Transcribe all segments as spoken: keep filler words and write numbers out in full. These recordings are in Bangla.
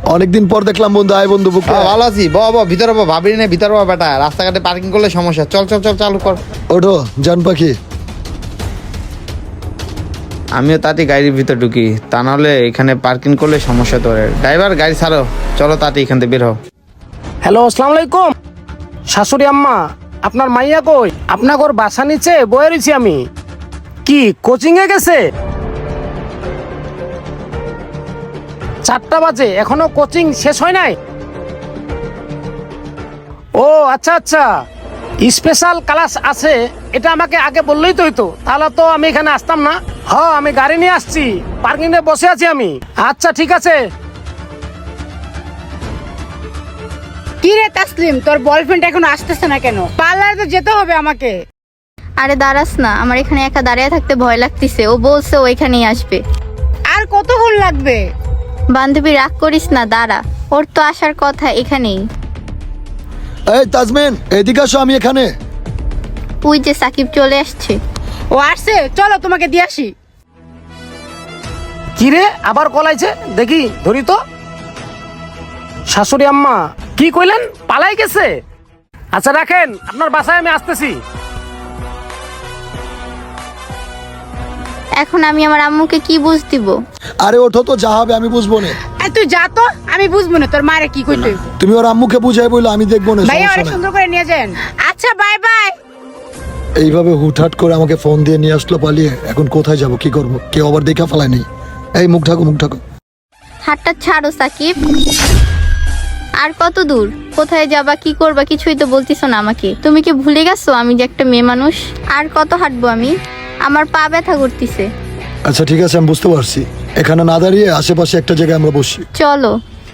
অনেকদিন পর দেখলাম বন্ধু। আয় বন্ধু বুকে। হ্যাঁ, ভালো আছি। ব ব ভিতরে ব ভাবি না ভিতরে ব বেটা, রাস্তাঘাটে পার্কিং করলে সমস্যা। চল চল চল চালু কর। ওঠো জান পাখি। আমিও তাতে গাড়ির ভিতর ঢুকি, তা নাহলে এখানে পার্কিং করলে সমস্যা তোরে। ড্রাইভার গাড়ি ছাড়ো, চলো তাতে এখান থেকে বের হও। হ্যালো, আসসালামু আলাইকুম। শাশুড়ি আম্মা, আপনার মাইয়া কই? আপনার ঘর বাসা নিচে বয়ে রয়েছি আমি। কি কোচিং এ গেছে? চারটা বাজে, এখনো কোচিং শেষ হয় নাই? ও আচ্ছা আচ্ছা, স্পেশাল ক্লাস আছে, এটা আমাকে আগে বললেই তো হইতো, তাহলে তো আমি এখানে আসতাম না। হ্যাঁ, আমি গাড়ি নিয়ে আসছি, পার্কিং এ বসে আছি আমি। আচ্ছা ঠিক আছে। কি রে তাসলিম, তোর বয়ফ্রেন্ড এখনো আসতেছে না কেন? পার্লারে তো যেতে হবে আমাকে। আরে দাঁড়াস না, আমার এখানে একা দাঁড়িয়ে থাকতে ভয় লাগতেছে। ও বলছে ও এখানেই আসবে। আর কতক্ষণ লাগবে? বান্ধবী রাগ করিস না, দাঁড়া, ওর তো আসার কথা এখানেই। এই তাজমিন এদিকে আসো, আমি এখানে। ওই যে সাকিব চলে আসছে। ও আসছে, চলো তোমাকে দিয়ে আসি। কি রে, আবার কলাইছে? দেখি ধরি তো। শাশুড়ি আম্মা কি কইলেন? পালাই গেছে? আচ্ছা রাখেন, আপনার বাসায় আমি আসতেছি। এখন আমি আমার আম্মুকে কি বুঝ দিব? আরে ওঠো তো, যা হবে আমি বুঝবো না। আর তুই যা তো, আমি বুঝবো না তোর মারে কি কইতে হইব। তুমি ওর আম্মুকে বুঝাই বললো, আমি দেখবো না, ভাইয়া সমস্যা অনেক নাই। সুন্দর করে নিয়ে যান। আচ্ছা বাই বাই। এইভাবে হুটহাট করে আমাকে ফোন দিয়ে নিয়ে আসলো পালিয়ে। এখন কোথায় যাব, কি করব? কেউ আবার দেখা ফেলায় নেই। এই মুখ ঢাকো, মুখ ঢাকো। হাতটা ছাড়ো সাকিব। আর কত দূর? কোথায় যাবা, কি করবা, কিছুই তো বলতিস না আমাকে। তুমি কি ভুলে গেছো আমি যে একটা মেয়ে মানুষ? আর কত হাঁটবো আমি? আমার পা ব্যথা করতেছে। আচ্ছা ঠিক আছে, আমি বুঝতে পারছি। এখানে না দাঁড়িয়ে আশেপাশে একটা জায়গায় আমরা বসি। চলো।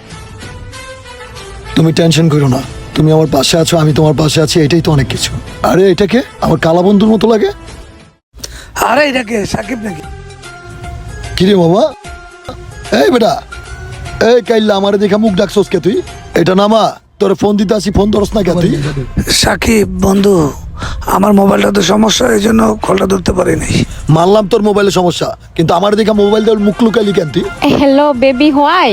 তুমি টেনশন করো না, তুমি আমার পাশে আছো, আমি তোমার পাশে আছি, এটাই তো অনেক কিছু। আরে এটাকে আমার কালা বন্ধুর মতো লাগে। আরে এটাকে সাকিব নাকি? কিরে বাবা? এই বেটা, এই কাইল্লা আমারে দেখা মুখ ডাকছস কে তুই? এটা নামা, তোর ফোন দিতে আসি, ফোন ধরস না কে তুই? সাকিব বন্ধু, আমার মোবাইলটা তো সমস্যা, এই জন্য কলটা ধরতে পারি নাই। মানলাম তোর মোবাইলের সমস্যা, কিন্তু আমার দেখা মোবাইল দেওয়ার মুখ লুকাইলি কেন তুই? Hello, baby, why?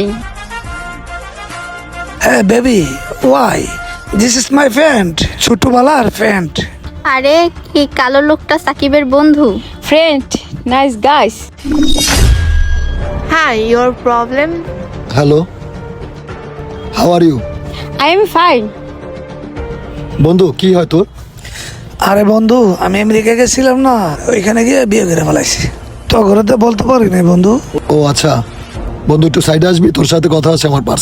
হ্যাঁ baby, why this is my friend, ছোটবেলার ফ্রেন্ড। আরে কি কালো লোকটা সাকিবের বন্ধু? Friend, nice guys. Hi, your problem? Hello, how are you? I am fine. বন্ধু কি হয় তোর? আরে বন্ধু, আমি আমেরিকা গেছিলাম না, ওইখানে গিয়ে বিয়ে করে ফেলাইছি। তো ঘরে তো বলতে পারি নাই বন্ধু। ও আচ্ছা বন্ধু, একটু সাইডে আসবি, তোর সাথে কথা আছে আমার।